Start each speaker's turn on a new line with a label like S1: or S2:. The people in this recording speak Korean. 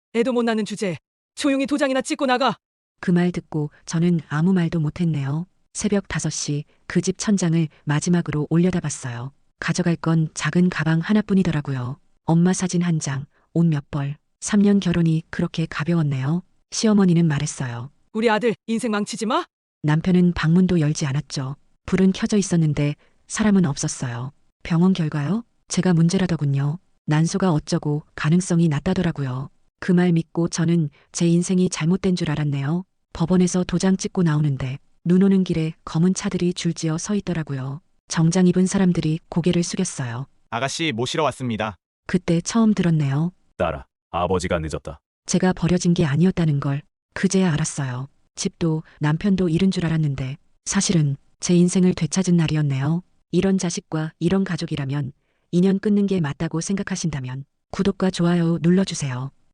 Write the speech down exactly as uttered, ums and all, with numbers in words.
S1: 애도 못 낳는 주제에 조용히 도장이나 찍고 나가.
S2: 그 말 듣고 저는 아무 말도 못했네요. 새벽 다섯 시 그 집 천장을 마지막으로 올려다봤어요. 가져갈 건 작은 가방 하나뿐이더라고요. 엄마 사진 한 장, 옷 몇 벌. 삼 년 결혼이 그렇게 가벼웠네요. 시어머니는 말했어요.
S1: 우리 아들 인생 망치지 마.
S2: 남편은 방문도 열지 않았죠. 불은 켜져 있었는데 사람은 없었어요. 병원 결과요? 제가 문제라더군요. 난소가 어쩌고 가능성이 낮다더라고요. 그 말 믿고 저는 제 인생이 잘못된 줄 알았네요. 법원에서 도장 찍고 나오는데 눈 오는 길에 검은 차들이 줄지어 서 있더라고요. 정장 입은 사람들이 고개를 숙였어요.
S3: 아가씨 모시러 왔습니다.
S2: 그때 처음 들었네요.
S4: 딸아, 아버지가 늦었다.
S2: 제가 버려진 게 아니었다는 걸 그제야 알았어요. 집도 남편도 잃은 줄 알았는데 사실은 제 인생을 되찾은 날이었네요. 이런 자식과 이런 가족이라면 인연 끊는 게 맞다고 생각하신다면 구독과 좋아요 눌러주세요.